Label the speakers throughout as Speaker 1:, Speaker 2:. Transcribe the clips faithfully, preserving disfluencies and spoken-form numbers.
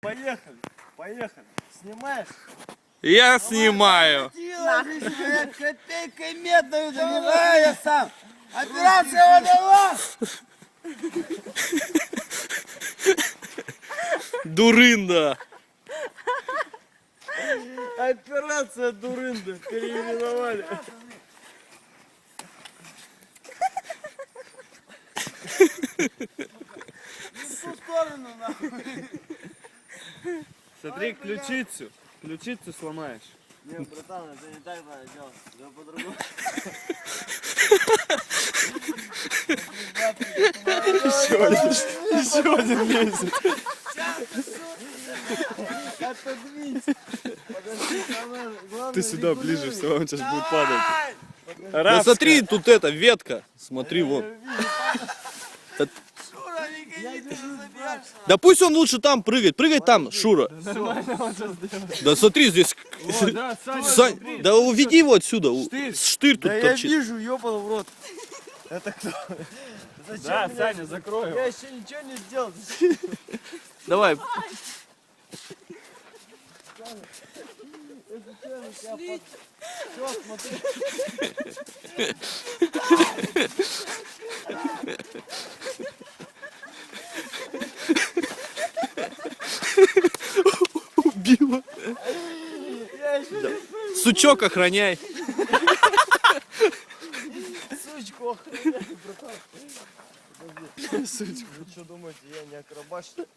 Speaker 1: поехали, поехали. Снимаешь?
Speaker 2: Я снимаю.
Speaker 3: Копейкой медную занимаю я сам. Операция водолаз.
Speaker 2: Дурында.
Speaker 1: Операция Дурында переименовали. В ту сторону, нахуй. Смотри, ключицу. Ключицу сломаешь.
Speaker 3: Не, братан, это не так надо делать. Это по-другому.
Speaker 1: Еще один. Еще один лезет. Ты сюда ближе, все, он сейчас будет падать.
Speaker 2: Да смотри, тут эта ветка. Смотри, вон. Да, да пусть он лучше там прыгает. Прыгай там, Шура. Да смотри, здесь...
Speaker 1: Да, Саня,
Speaker 2: Сань,
Speaker 1: смотри.
Speaker 2: да уведи его отсюда. У-
Speaker 1: Штырь.
Speaker 2: Штырь тут
Speaker 1: Да я
Speaker 2: торчит.
Speaker 1: вижу, ёбаный в рот. Это кто? Зачем
Speaker 4: Да,
Speaker 1: меня-
Speaker 4: Саня, закрой его.
Speaker 1: Я еще ничего не сделал.
Speaker 2: Давай.
Speaker 1: Все, смотри.
Speaker 2: Убила.
Speaker 1: Я еще
Speaker 2: Сучок охраняй.
Speaker 1: сучку охраняю, братан. Подожди. Сучку. Вы что думаете, я не акробат, что ли?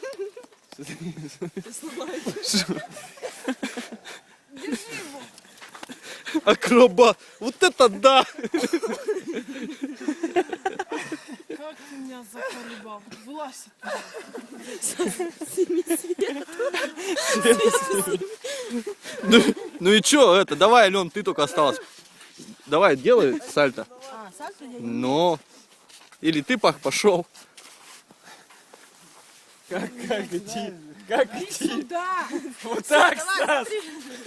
Speaker 2: Акробат. Вот это да.
Speaker 5: Как ты меня заколебал? Вылазь
Speaker 2: Ну, ну и чё, это, давай, Ален, ты только осталась. Давай, делай сальто.
Speaker 5: А, сальто я не...
Speaker 2: Ну, или ты пах пошел.
Speaker 4: Как, как идти? Как идти?
Speaker 5: Сюда!
Speaker 4: Вот так,
Speaker 5: Давай,
Speaker 4: Стас!
Speaker 5: смотри.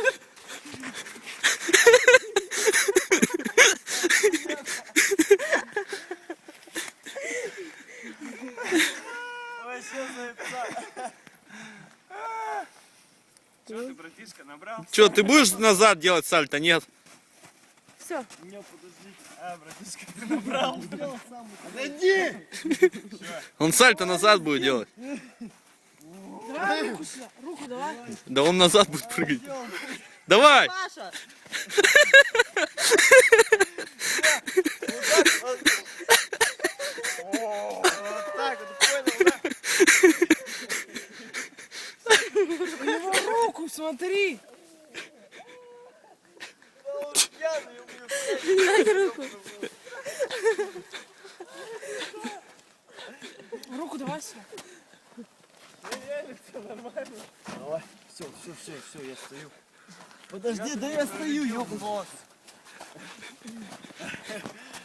Speaker 1: Вообще заебца.
Speaker 4: Че ты, братишка, набрал?
Speaker 2: Чё, ты будешь назад делать сальто? Нет.
Speaker 5: Все.
Speaker 1: Не, подожди. А, братишка, ты набрал. Отойди!
Speaker 2: Он сальто назад будет делать.
Speaker 5: Давай руку сюда. Руку давай.
Speaker 2: Да он назад будет прыгать. Давай!
Speaker 5: Паша!
Speaker 1: Вот так вот, понял, да?
Speaker 5: У него руку смотри.
Speaker 1: Он пьяный, я
Speaker 5: Дай руку. Руку давай сюда.
Speaker 1: Давай, все, все, все, все, я стою. Подожди, да я стою, ёбаный.